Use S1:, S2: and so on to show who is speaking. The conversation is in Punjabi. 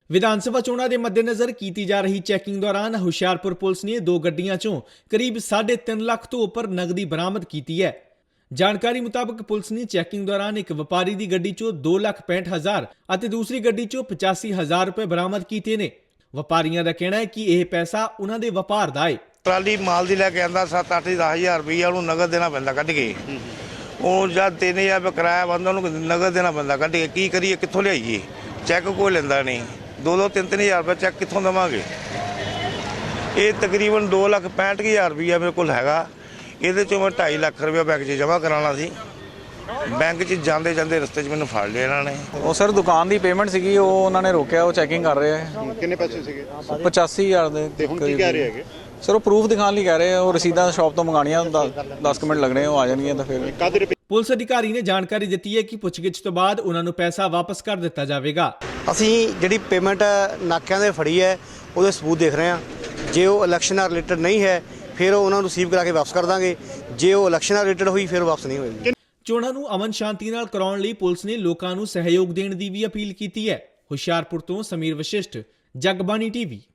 S1: ਵਿਧਾਨ ਸਭਾ ਚੋਣਾਂ ਦੇ ਮੱਦੇਨਜ਼ਰ ਕੀਤੀ ਜਾ ਰਹੀ ਚੈਕਿੰਗ ਦੌਰਾਨ ਹੁਸ਼ਿਆਰਪੁਰ ਪੁਲਿਸ ਨੇ 2 ਗੱਡੀਆਂ ਚੋਂ ਕਰੀਬ 3.5 ਲੱਖ ਤੋਂ ਉੱਪਰ ਨਗਦੀ ਬਰਾਮਦ ਕੀਤੀ ਹੈ। ਜਾਣਕਾਰੀ ਮੁਤਾਬਕ ਪੁਲਿਸ ਨੇ ਚੈਕਿੰਗ ਦੌਰਾਨ ਇੱਕ ਵਪਾਰੀ ਦੀ ਗੱਡੀ ਚੋਂ 2,65,000 ਅਤੇ ਦੂਸਰੀ ਗੱਡੀ ਚੋਂ 85,000 ਰੁਪਏ ਬਰਾਮਦ ਕੀਤੇ ਨੇ। ਵਪਾਰੀਆਂ ਦਾ ਕਹਿਣਾ ਹੈ ਕਿ ਇਹ ਪੈਸਾ ਉਹਨਾਂ ਦੇ ਵਪਾਰ ਦਾ ਹੈ।
S2: ਟਰਾਲੀ ਮਾਲ ਦੀ ਲੈ ਕੇ ਆਂਦਾ 7-8-10,000 ਰੁਪਈਆ ਉਹਨੂੰ ਨਗਦ ਦੇਣਾ ਪੈਂਦਾ ਕੱਢ ਕੇ। ਉਹ ਜਦ 3,000 ਰੁਪਏ ਕਿਰਾਇਆ ਬੰਦਾ ਉਹਨੂੰ ਨਗਦ ਦੇਣਾ ਪੈਂਦਾ ਕੱਢ ਕੇ। ਕੀ ਕਰੀਏ, ਕਿੱਥੋਂ ਲਿਆਈਏ? ਚੈੱਕ ਕੋਈ ਲੈਂਦਾ ਨਹੀਂ। 2-3,000 ਰੁਪਏ ਚੈੱਕ ਕਿੱਥੋਂ ਦੇਵਾਂਗੇ? ਇਹ ਤਕਰੀਬਨ 2,65,000 ਰੁਪਈਆ ਮੇਰੇ ਕੋਲ ਹੈਗਾ। ਇਹਦੇ ਚੋਂ ਮੈਂ 2.5 ਲੱਖ ਰੁਪਏ ਬੈਂਕ 'ਚ ਜਮ੍ਹਾਂ ਕਰਾਉਣਾ ਸੀ। ਬੈਂਕ 'ਚ ਜਾਂਦੇ ਜਾਂਦੇ ਰਸਤੇ 'ਚ ਮੈਨੂੰ ਫੜ ਲਿਆ ਇਹਨਾਂ ਨੇ।
S3: ਉਹ ਸਰ ਦੁਕਾਨ ਦੀ ਪੇਮੈਂਟ ਸੀਗੀ, ਉਹ ਉਹਨਾਂ ਨੇ ਰੋਕਿਆ, ਉਹ ਚੈਕਿੰਗ ਕਰ ਰਹੇ ਆ।
S4: ਕਿੰਨੇ ਪੈਸੇ ਸੀਗੇ?
S3: 85,000 ਦੇ।
S4: ਤੇ ਹੁਣ ਕੀ ਕਹਿ ਰਹੇ ਹੈਗੇ?
S3: ਸਰ ਉਹ ਪ੍ਰੂਫ ਦਿਖਾਉਣ ਲਈ ਕਹਿ ਰਹੇ ਆ। ਉਹ ਰਸੀਦਾਂ ਸ਼ਾਪ ਤੋਂ ਮੰਗਾਣੀਆਂ, 10 ਮਿੰਟ ਲੱਗਣੇ, ਉਹ ਆ ਜਾਣਗੀਆਂ ਤਾਂ ਫਿਰ।
S1: ਪੁਲਿਸ ਅਧਿਕਾਰੀ ਨੇ ਜਾਣਕਾਰੀ ਦਿੱਤੀ ਹੈ ਕਿ ਪੁੱਛਗਿੱਛ ਤੋਂ ਬਾਅਦ ਉਹਨਾਂ ਨੂੰ ਪੈਸਾ ਵਾਪਸ ਕਰ ਦਿੱਤਾ ਜਾਵੇਗਾ।
S5: ਅਸੀਂ ਜਿਹੜੀ ਪੇਮੈਂਟ ਨਾਕਿਆਂ ਦੇ ਫੜੀ ਹੈ ਉਹਦੇ ਸਬੂਤ ਦੇਖ ਰਹੇ ਹਾਂ। ਜੇ ਉਹ ਇਲੈਕਸ਼ਨ ਨਾਲ ਰਿਲੇਟਡ ਨਹੀਂ ਹੈ ਫਿਰ ਉਹਨਾਂ ਨੂੰ ਰਿਸੀਵ ਕਰਾ ਕੇ ਵਾਪਸ ਕਰ ਦਾਂਗੇ। ਜੇ ਉਹ ਇਲੈਕਸ਼ਨ ਨਾਲ ਰਿਲੇਟਡ ਹੋਈ ਫਿਰ ਵਾਪਸ ਨਹੀਂ ਹੋਏਗੀ।
S1: ਚੋਣਾਂ ਨੂੰ ਅਮਨ ਸ਼ਾਂਤੀ ਨਾਲ ਕਰਾਉਣ ਲਈ ਪੁਲਿਸ ਨੇ ਲੋਕਾਂ ਨੂੰ ਸਹਿਯੋਗ ਦੇਣ ਦੀ ਵੀ ਅਪੀਲ ਕੀਤੀ ਹੈ। ਹੁਸ਼ਿਆਰਪੁਰ ਤੋਂ ਸਮੀਰ ਵਸ਼ਿਸ਼ਟ, ਜਗਬਾਣੀ ਟੀਵੀ।